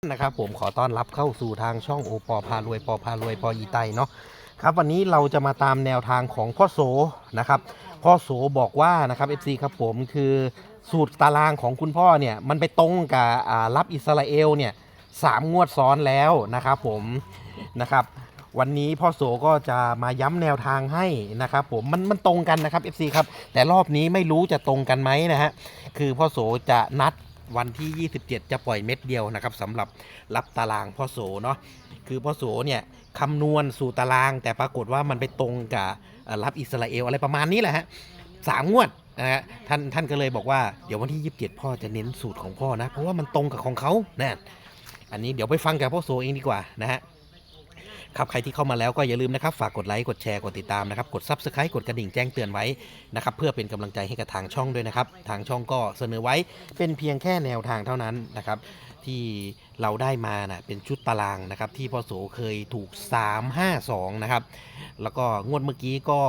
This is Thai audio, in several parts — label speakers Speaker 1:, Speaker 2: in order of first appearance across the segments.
Speaker 1: นะครับผมขอต้อนรับเข้าสู่ทางช่องโอปอพารวยปอพารวยปออีไตเนาะครับวันนี้เราจะมาตามแนวทางของพ่อโสนะครับพ่อโสบอกว่านะครับ FC ครับผมคือสูตรตารางของคุณพ่อเนี่ยมันไปตรงกับรับอิสราเอลเนี่ย3 งวดซ้อนแล้วนะครับผมนะครับวันนี้พ่อโสก็จะมาย้ำแนวทางให้นะครับผมมันตรงกันนะครับ FC ครับแต่รอบนี้ไม่รู้จะตรงกันไหมนะฮะคือพ่อโสจะนัดวันที่ 27 จะปล่อยเม็ดเดียวนะครับสำหรับรับตารางพ่อโสเนาะคือพ่อโสเนี่ยคำนวณสู่ตารางแต่ปรากฏว่ามันไปตรงกับรับอิสราเอลอะไรประมาณนี้แหละฮะ3 งวดนะฮะท่านก็เลยบอกว่าเดี๋ยววันที่ 27 พ่อจะเน้นสูตรของพ่อนะเพราะว่ามันตรงกับของเขานะอันนี้เดี๋ยวไปฟังกับพ่อโสเองดีกว่านะฮะครับใครที่เข้ามาแล้วก็อย่าลืมนะครับฝากกดไลค์กดแชร์กดติดตามนะครับกด Subscribe กดกระดิ่งแจ้งเตือนไว้นะครับเพื่อเป็นกำลังใจให้กับทางช่องด้วยนะครับทางช่องก็เสนอไว้เป็นเพียงแค่แนวทางเท่านั้นนะครับที่เราได้มานะเป็นชุดตารางนะครับที่พ่อโสเคยถูก352นะครับแล้วก็งวดเมื่อกี้ก็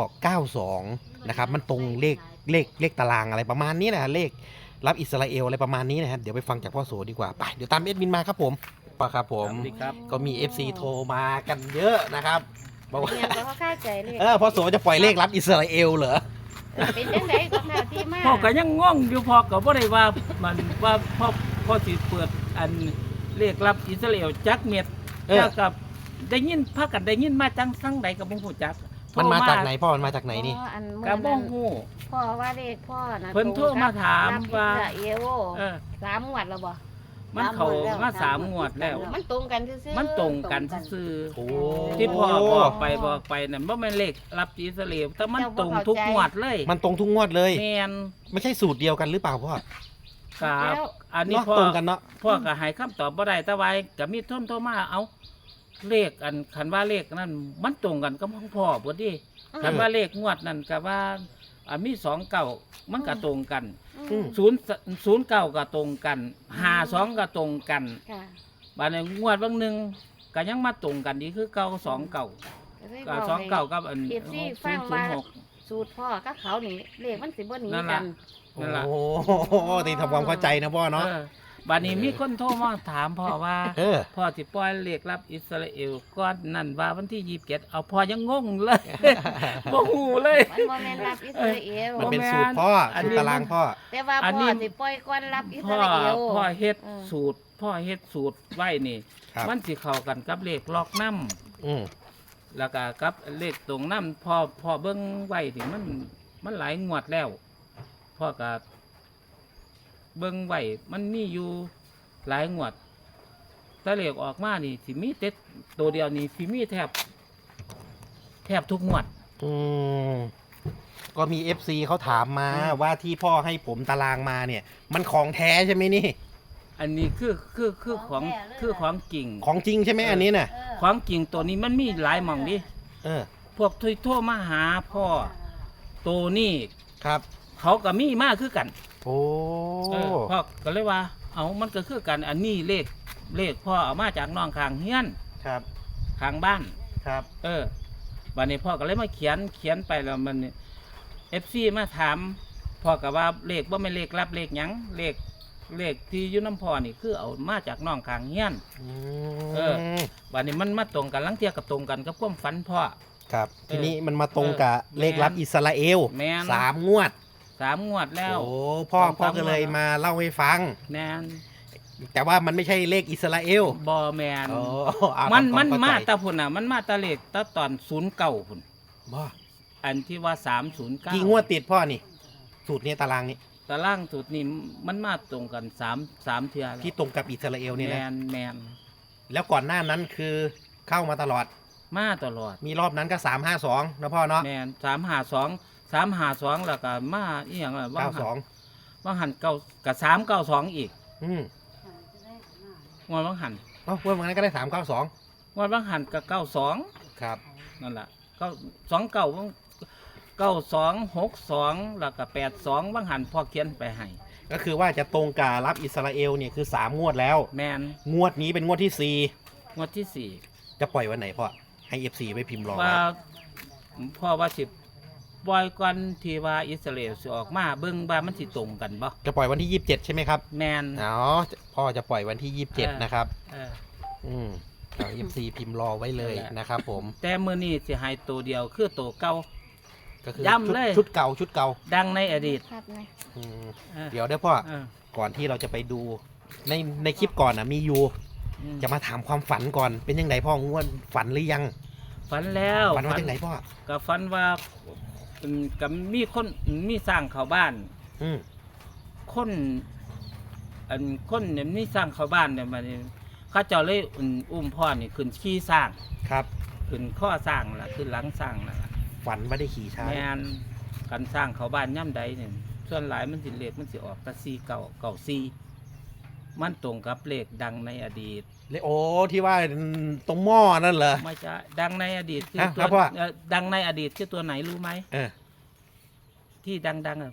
Speaker 1: 92นะครับมันตรงเลขตารางอะไรประมาณนี้นะเลขรับอิสราเอลอะไรประมาณนี้นะครับเดี๋ยวไปฟังจากพ่อโสดีกว่าไปเดี๋ยวตามเอ็ดมินมาครับผมครับผมก็มี FC โทรมากันเยอะนะครับบอกว่า
Speaker 2: เนี่ยเขาเข้าใจเลย
Speaker 1: พ่อโสจะปล่อยเลขรับอิสราเอลเหรอ
Speaker 2: เป็นจังไดก็แนวที่มาก
Speaker 3: พ่อก็ยังงงอยู่พ่อก็บ่ได้ว่ามันว่าพ่อสิเปิดอันเรียกรับอิสราเอลจักเม็ด
Speaker 1: เออ
Speaker 3: แล้วกับได้ยินพากันได้ยินมาจังสังใดก็บ่ฮู้จัก
Speaker 1: มันมาจากไหนพ่อมันมาจากไหนนี่
Speaker 2: พ่ออัน
Speaker 3: ก็
Speaker 2: เมื่อ
Speaker 3: บ่
Speaker 2: นั้น
Speaker 3: ฮู้
Speaker 2: พ่อว่าเลขพ่อนะ
Speaker 3: เพิ่นโทรมาถามว่า
Speaker 2: รับอิสราเอล
Speaker 3: เออ
Speaker 2: 3 งวดแล้วบ่
Speaker 3: มันเข้ามา3 งวดแล้ว
Speaker 2: มันตรงกันซื่อๆ
Speaker 3: มันตรงกันซื่อ
Speaker 1: โอ้
Speaker 3: ๆที่พ่อบอกไปนั่นบ่แม่นเลขรับอิสราเอลแต่มันตรงทุกงวดเลย
Speaker 1: มันตรงทุกงวดเลย
Speaker 3: แม่น
Speaker 1: ไม่ใช่สูตรเดียวกันหรือเปล่าพ่อ
Speaker 3: ครับอันนี้
Speaker 1: เนาะ
Speaker 3: พ่อ
Speaker 1: ตรงกันเนาะ
Speaker 3: พ่อก็ให้คำตอบบ่ได้แต่ว่าก็มีโทรมาเอาเลขอันคันว่าเลขนั้นมันตรงกันกับของพ่อเบิดดิคันว่าเลขงวดนั้นก็ว่ามี29มันก็ตรงกัน
Speaker 1: อืม
Speaker 3: 009ก็ตรงกัน52ก็ตรงกัน
Speaker 2: ค่ะ
Speaker 3: บัดนี้งวดบางหนึงก็ยังมาตรงกันอีกคือ929ก็29กับอัน
Speaker 2: เอฟซีฟังว่า
Speaker 3: 006
Speaker 2: สูตรพ่อกับเขานี่เลขมันสิบ่หนี
Speaker 3: นั่น
Speaker 2: กั
Speaker 3: ล่ะ
Speaker 2: น
Speaker 3: นั่นล่ะ
Speaker 1: โอ้โหตีทำความเข้าใจนะพ่อเนาะ
Speaker 3: บัดนี้มีคนโทรมาถามพ่อว่า
Speaker 1: เออ
Speaker 3: พ่อสิปล่อยเลขรับอิสราเอลก้อนนั่นว่าวันที่27เอาพ่อยังงงเลย บ่ฮู้เลย
Speaker 2: มันบ่แม่นรับอิสราเอล
Speaker 1: มันเป็นสูตรพ่อสูตรตารางพ่อ
Speaker 2: แต่ว่า
Speaker 3: อัน
Speaker 2: พ่
Speaker 3: นี้
Speaker 2: อสิปล่อยก่อนรับอิส
Speaker 3: พ่อ
Speaker 2: ราเอล
Speaker 3: พ่อเฮ็ด
Speaker 2: เออ
Speaker 3: สูตรพ่อเฮ็ดสูตรไว้นี่
Speaker 1: ครับ
Speaker 3: มันสิเข้ากันกับเลขล็อกน้
Speaker 1: อืม
Speaker 3: ำแล้วก็กับเลขตรงน้ำพ่อเบิ่งไว้นี่มันหลายงวดแล้วพ่อก็เบิ่งไว้มันมีอยู่หลายงวดแต่เลขออกมานี่สิมีแต่ตัวเดียวนี่สิมีแทบทุกงวด
Speaker 1: อืมก็มี FC เขาถามมาว่าที่พ่อให้ผมตารางมาเนี่ย มันของแท้ใช่ไหมนี่
Speaker 3: อันนี้คือของจริง
Speaker 1: ของจริงใช่ไหมอันนี้น่ะ
Speaker 3: ของจริงตัวนี้มันมีหลายหม่องดิ
Speaker 1: เออ
Speaker 3: พวกโทรมาหาพ่อตัวนี้
Speaker 1: ครับ
Speaker 3: เขาก็มีมาคือกัน
Speaker 1: โอ้
Speaker 3: พ่อก็เลยว่า เอามันก็คือกันอันนี้เลขพ่อเอามาจากน้องข้างเฮียน
Speaker 1: ครับ
Speaker 3: ข้างบ้าน
Speaker 1: ครับ
Speaker 3: บัดนี้พ่อก็เลยมาเขียนไปแล้วมันFC มาถามพ่อก็ว่าเลขบ่แม่นเลขรับเลขหยังเลขที่อยู่น้ำพ่อนี่คือเอามาจากน้องข้างเฮียน
Speaker 1: อืม
Speaker 3: เออ บัดนี้มันมาตรงกันลังเทียกับตรงกันกับความฝันพ่อ
Speaker 1: ครับ ทีนี้มันมาตรงกับเลขรับอิสราเอล
Speaker 3: แม่น
Speaker 1: 3 งวด
Speaker 3: 3 งวดแล้ว
Speaker 1: โอ้พ่อก็เลยมาเล่าให้ฟัง
Speaker 3: แม่น
Speaker 1: แต่ว่ามันไม่ใช่เลขอิสราเอล
Speaker 3: บ่แมน
Speaker 1: โอ้อ่ะ
Speaker 3: มัน
Speaker 1: เข้ใจ
Speaker 3: มาแตาพุ่นน่ะมันมาแตาเลขแตาตอน09พุ่น
Speaker 1: บ่
Speaker 3: อันที่ว่า309
Speaker 1: กี่งวดติดพ่อนี่ สูตรนี้ตารางนี้
Speaker 3: ตารางสุดนี่มันมาตรงกัน3เทื่อแล้ว
Speaker 1: ที่ตรงกับอิสราเอลเนี่ย
Speaker 3: แม
Speaker 1: นะ
Speaker 3: นแมน
Speaker 1: แล้วก่อนหน้านั้นคือเข้ามาตลอด
Speaker 3: มาตลอด
Speaker 1: มีรอบนั้นก็352นะพ่อเนาะ
Speaker 3: แมน352แล้วก็มาอีหยังล่ะว่างหันเก้ากับ392อีก
Speaker 1: อืม
Speaker 3: งวดว่างหัน
Speaker 1: เอ้าวันนั้นก็ได้392
Speaker 3: งวดว่างหันกับ92
Speaker 1: ครับ
Speaker 3: นั่นล่ะ9262แล้วก็82ว่างหันพ่อเขียนไปให้
Speaker 1: ก็คือว่าจะตรงกับรับอิสราเอลเนี่ยคือ3 งวดแล้ว
Speaker 3: แมน
Speaker 1: งวดนี้เป็นงวดที่
Speaker 3: งวดที่
Speaker 1: 4 จะปล่อยวันไหนพ่อให้ FC ไว้พิมพ์รอ
Speaker 3: 4ว่า
Speaker 1: ไว้
Speaker 3: พ่อว่าสิปล่อยก่อนที่ว่าอิสราเอลสิออกมาเบิ่งว่ามันสิตรงกันบ่
Speaker 1: จะปล่อยวันที่ 27 ใช่ไหมครับ
Speaker 3: แมน
Speaker 1: อ๋อพ่อจะปล่อยวันที่ 27 นะครับ
Speaker 3: เออ
Speaker 1: เอา FC พิมพ์รอไว้เลยนะครับผม
Speaker 3: แต่มื้อนี้สิให้ตัวเดียวคือตัวเก่า
Speaker 1: ก็คือ
Speaker 3: ย้ำเลย
Speaker 1: ชุดเก่าชุดเก่า
Speaker 3: ดังในอดีต
Speaker 2: ครับไง
Speaker 1: อืม
Speaker 3: เออ
Speaker 1: เดี๋ยวได้พ่อ
Speaker 3: เออ
Speaker 1: ก่อนที่เราจะไปดูในคลิปก่อนนะมีอยู่
Speaker 3: อืม
Speaker 1: จะมาถามความฝันก่อนเป็นยังไงพ่องวดฝันหรือยัง
Speaker 3: ฝันแล้ว
Speaker 1: ฝันว่าจังไหนพ่อ
Speaker 3: ก็ฝันว่ากับมีคนมีสร้างเขาบ้าน
Speaker 1: อืม
Speaker 3: คนคนเนี่ยมีสร้างเขาบ้านเนี่ยมันเขาเจ้าเลยอุ้มพ่อนี่ขึ้นขี้สร้าง
Speaker 1: ครับ
Speaker 3: ขึ้นข้อสร้างล่ะขึ้นหลังสร้างล่ะ
Speaker 1: ฝันว่าได้ขี่ช้าง
Speaker 3: แม่นกันสร้างเขาบ้านย่ำใดเนี่ยส่วนหลายมันสิเลขมันสิออกแตะซีเก่าซีมันตรงกับเลขดังในอดีต
Speaker 1: เลยโอ้ที่ว่าตรงหม้อนั่นเหรอ
Speaker 3: ไม่ใช่ดังในอดีตคือ
Speaker 1: อ่ะ
Speaker 3: ตั
Speaker 1: ครั
Speaker 3: ว
Speaker 1: บพ่อ
Speaker 3: ดังในอดีตคือตัวไหนรู้ไหม
Speaker 1: เออ
Speaker 3: ที่ดัง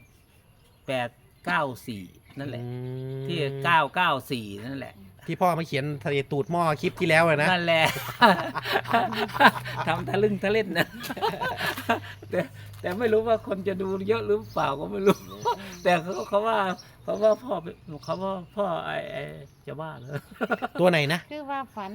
Speaker 3: 894นั่นแหละ
Speaker 1: อืม
Speaker 3: ที่994นั่นแหละ
Speaker 1: ที่พ่อมาเขียนทะเลตูดหม้อคลิปที่แล้วอะนะ
Speaker 3: นั่นแหละ ทำทะลึ่งทะเล่นนะ แต่ไม่รู้ว่าคนจะดูเยอะหรือเปล่าก็ไม่รู้ แต่เขาว่าพ่อเขาว่าพ่อไอจะบ้าเลย
Speaker 1: ตัวไหนนะ
Speaker 2: คือว่าฝัน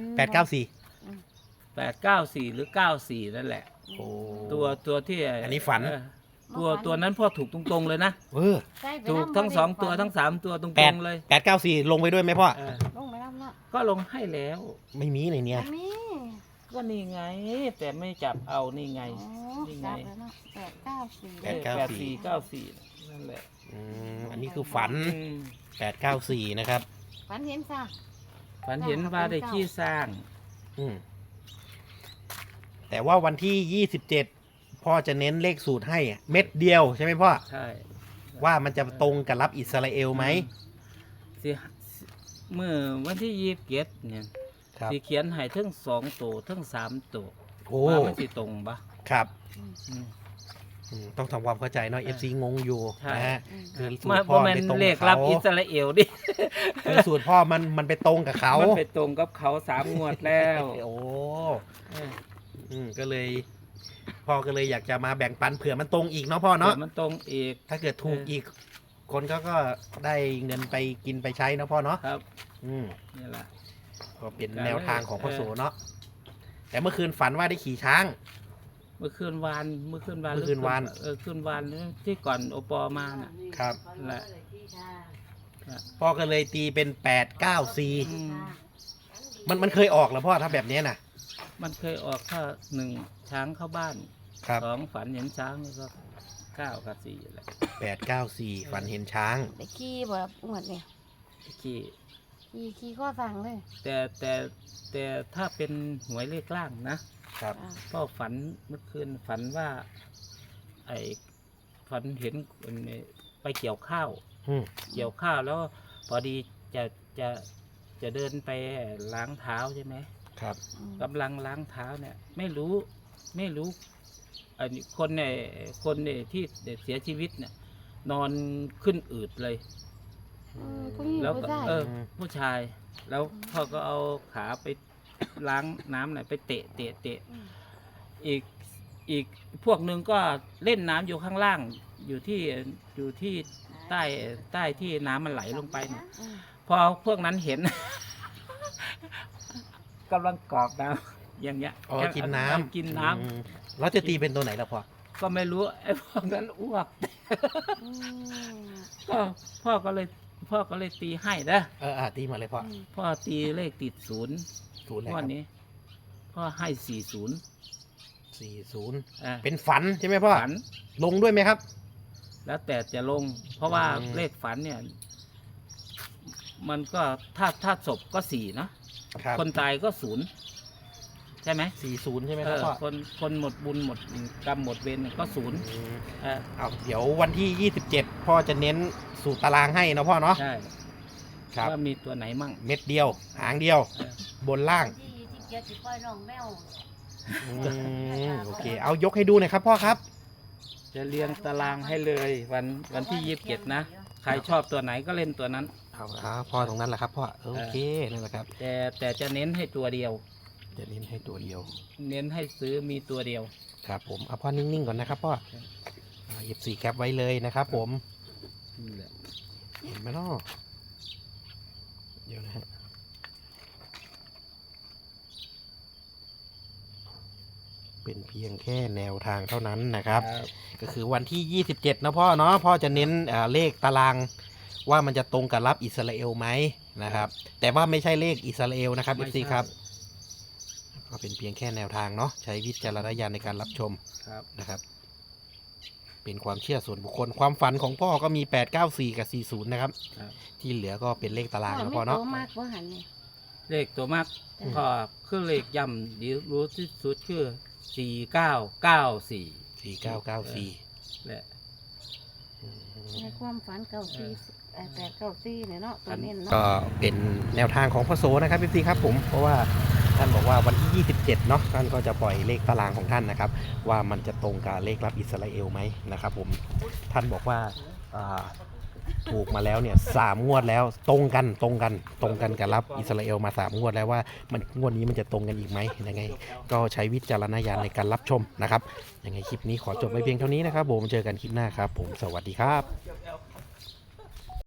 Speaker 1: 894
Speaker 3: 894หรือ94นั่นแหละ
Speaker 1: โอ้
Speaker 3: ตัวที่
Speaker 1: อันนี้ฝัน
Speaker 3: ตัวนั้นพ่อถูกตรงๆเลยนะ
Speaker 1: เออ
Speaker 2: ใช่ไป
Speaker 3: ถูก
Speaker 2: นำ
Speaker 3: ทั้ง
Speaker 2: บ่
Speaker 3: สอง
Speaker 2: ได้
Speaker 3: ตัว
Speaker 2: ฝัน
Speaker 3: ทั้งสามตัวตรงๆเลย
Speaker 1: 894ลงไปด้วยไหมพ่อ
Speaker 3: เออ
Speaker 2: ลงไปน้ำเนาะ
Speaker 3: ก็ลงให้แล้ว
Speaker 1: ไม่มีในเนี้ย
Speaker 2: มี
Speaker 3: ก็นี่ไง แต่ไม่จับเอานี่ไง
Speaker 2: อ๋อ
Speaker 3: นี่ไง
Speaker 2: จับแล้วเนาะ894
Speaker 3: 894นั่นแหละ
Speaker 1: อันนี้คือฝัน 894 นะครับ
Speaker 2: ฝันเห็นซะ
Speaker 3: ฝันเห็นว่าได้ขี้สร้าง
Speaker 1: อืมแต่ว่าวันที่ 27 พ่อจะเน้นเลขสูตรให้เม็ดเดียวใช่ไหมพ่อ
Speaker 3: ใช่
Speaker 1: ว่ามันจะตรงกับรับอิสราเอลไหม
Speaker 3: สิเมื่อวันที่27เนี่ย
Speaker 1: ครับ
Speaker 3: สิเขียนให้ทั้ง2ตัวทั้ง3ตัว
Speaker 1: โอ้
Speaker 3: ว่ามันสิตรงปะ
Speaker 1: ครับ
Speaker 3: อืม
Speaker 1: ต้องทำความเข้าใจเนาะ FC งงอยู่
Speaker 3: ใช่
Speaker 1: นะฮะ
Speaker 2: อืม
Speaker 1: คือสูต
Speaker 3: มาร
Speaker 1: พ่อ
Speaker 3: แม่น
Speaker 1: ไปตรง
Speaker 3: เล
Speaker 1: กับ
Speaker 3: ขรับ
Speaker 1: เขา
Speaker 3: อิสราเอลดิ
Speaker 1: คือสูตรพ่อมันไปตรงกับเขา
Speaker 3: มันไปตรงกับเขา3งวดแล้ว
Speaker 1: โอ้
Speaker 3: เออ
Speaker 1: ก็เลย พ่อก็เลยอยากจะมาแบ่งปันเผื่อมันตรงอีกเนาะพ่อเนาะ
Speaker 3: ดี๋ยวมันตรงอีก
Speaker 1: ถ้าเกิดถูกอีก คนเขาก็ได้เงินไปกินไปใช้เนาะพ่อเนาะ
Speaker 3: ครับ
Speaker 1: อืม
Speaker 3: นี่แหละ
Speaker 1: ก็เป็นแนวทางของพ่อโสเนาะแต่เมื่อคืนฝันว่าได้ขี่ช้าง
Speaker 3: เมื่อคืนวาน
Speaker 1: เมื่อคืนวาน
Speaker 3: คืนวานที่ก่อนโอปอมาน่ะ
Speaker 1: ครับ
Speaker 3: นั่นแหละ
Speaker 1: พ่อก็เลยตีเป็น894
Speaker 3: อืม
Speaker 1: มันเคยออกแล้วพ่อถ้าแบบเนี้ยนะ
Speaker 3: มันเคยออกถ้า1ช้างเข้าบ้าน
Speaker 1: ครับ
Speaker 3: 2ฝันเห็นช้างนี่ก็9กับ4แหละ
Speaker 1: 894ฝันเห็นช้าง
Speaker 2: ได้ขี้แบบงวดเนี่ย
Speaker 3: ที่
Speaker 2: ขี้ข้อสั่งเลย
Speaker 3: แต่ถ้าเป็นหวยเลขล่างนะครับ
Speaker 2: อ่า
Speaker 3: พ่อฝันเมื่อคืนฝันว่า ไอ้ฝันเห็นคนเนี่ยไปเกี่ยวข้าว
Speaker 1: อืม
Speaker 3: เกี่ยวข้าวแล้วพอดีจะเดินไปล้างเท้าใช่ไหม
Speaker 1: ครับ
Speaker 2: อืม
Speaker 3: กำลังล้างเท้าเนี่ย ไม่รู้อันนี้คนเนี่ยที่เสียชีวิตเนี่ย นอนขึ้นอืดเลย
Speaker 2: ผู้หญิง
Speaker 3: แล้ว
Speaker 2: ผู้
Speaker 3: ก็
Speaker 2: ชาย
Speaker 3: ผู้ชาย แล้วพ่อก็เอาขาไปล้างน้ำหน่อยไปเตะอีกพวกหนึ่งก็เล่นน้ำอยู่ข้างล่าง อยู่ที่ใต้ที่น้ำมันไหลลงไปเนี่ย
Speaker 2: อืม
Speaker 3: พอพวกนั้นเห็น กำลังกรอกน้ำอย่างเงี้ย
Speaker 1: อ๋อกินน้ำ
Speaker 3: กินน้ำ
Speaker 1: อืมแล้วจะตีเป็นตัวไหนล่ะพ่อ
Speaker 3: ก็ไม่รู้ไอ้พวกนั้นอ้วก
Speaker 2: อืม
Speaker 3: ก็พ่อก็เลยตีให้นะ
Speaker 1: ตีมาเลยพ่อ
Speaker 3: พ่อตีเลขติด0
Speaker 1: ศูนย์เลย
Speaker 3: ง
Speaker 1: คว รั
Speaker 3: ด
Speaker 1: บ
Speaker 3: นี้พ่อให้40
Speaker 1: 40
Speaker 3: อ่า
Speaker 1: เป็นฝันใช่ไหมพ่อ
Speaker 3: ฝัน
Speaker 1: ลงด้วยไหมครับ
Speaker 3: แล้วแต่จะลง เพราะว่า
Speaker 1: อืม
Speaker 3: เลขฝันเนี่ย มันก็ถ้าศพก็4เนาะ
Speaker 1: ครับ
Speaker 3: คนตายก็0ใช่ไหม
Speaker 1: 40ใช่ไหมครับพ่อ
Speaker 3: คนหมดบุญหมดกรรมหมดเวรก็0
Speaker 1: อืม
Speaker 3: เออ
Speaker 1: เอาเดี๋ยววันที่ 27 พ่อจะเน้นสูตรตารางให้นะพ่อเนาะ
Speaker 3: ใช่
Speaker 1: ครับ
Speaker 3: ว่ามีตัวไหนมั่ง
Speaker 1: เม็ดเดียว หางเดียว
Speaker 3: เออบ
Speaker 1: นล่าง
Speaker 2: ที่เกียรติปล่อยน้องแมว
Speaker 1: โอเค เอายกให้ดูหน่อยครับพ่อครับ
Speaker 3: จะเรียงตารางให้เลยวันที่27นะใครชอบตัวไหนก็เล่นตัวนั้น
Speaker 1: เอาพ่อตรงนั้นแหละครับพ่อ โอเค นั่นแหละครับ
Speaker 3: แต่จะเน้นให้ตัวเดียว
Speaker 1: จะเน้นให้ตัวเดียว
Speaker 3: เน้นให้ซื้อมีตัวเดียว
Speaker 1: ครับผม เอาพ่อนิ่งๆก่อนนะครับพ่อ FC แคปไว้เลยนะครับผม
Speaker 3: นี่แหละ
Speaker 1: เห็นไหมเนาะเดี๋ยวนะฮะเป็นเพียงแค่แนวทางเท่านั้นนะครับ ก็คือวันที่ 27นะพ่อเนาะพ่อจะเน้นเลขตารางว่ามันจะตรงกับรับอิสราเอลไหมนะครับ แต่ว่าไม่ใช่เลขอิสราเอลนะครับ
Speaker 3: ไม่
Speaker 1: FC
Speaker 3: ใช่
Speaker 1: ครับก็เป็นเพียงแค่แนวทางเนาะใช้วิจารณญาณในการรับชม
Speaker 3: ครับ
Speaker 1: นะครับ เป็นความเชื่อส่วนบุคคลความฝันของพ่อก็มี 894 กับ 40 นะครับ
Speaker 3: ครับ
Speaker 1: ที่เหลือก็เป็นเลขตาราง
Speaker 2: พ่อ
Speaker 1: นะ
Speaker 2: ไม่
Speaker 1: พ่อ
Speaker 2: โต
Speaker 1: เนาะ
Speaker 2: มากว่าหันนี่
Speaker 3: เลขตัวมาก
Speaker 2: อืม
Speaker 3: ก็คือเลขย่ำดีรู้ที่สุดคือ4994
Speaker 1: 4994
Speaker 3: แหละ
Speaker 2: ในความฝัน894เนี่ยเนาะตัวเน้นเนาะ
Speaker 1: ก็เป็นแนวทางของพ่อโสนะครับพี่ครับผมเพราะว่าท่านบอกว่าวันที่ 27 เนาะท่านก็จะปล่อยเลขตารางของท่านนะครับ ว่ามันจะตรงกับเลขรับอิสราเอลไหมนะครับผมท่านบอกว่าถูกมาแล้วเนี่ย3 งวดแล้วตรงกันกับรับอิสราเอลมา3 งวดแล้วว่ามันงวดนี้มันจะตรงกันอีกไหมยังไง ก็ใช้วิจารณญาณในการรับชมนะครับยังไงคลิปนี้ขอจบไว้เพียงเท่านี้นะครับผมเจอกันคลิปหน้าครับผมสวัสดีครับ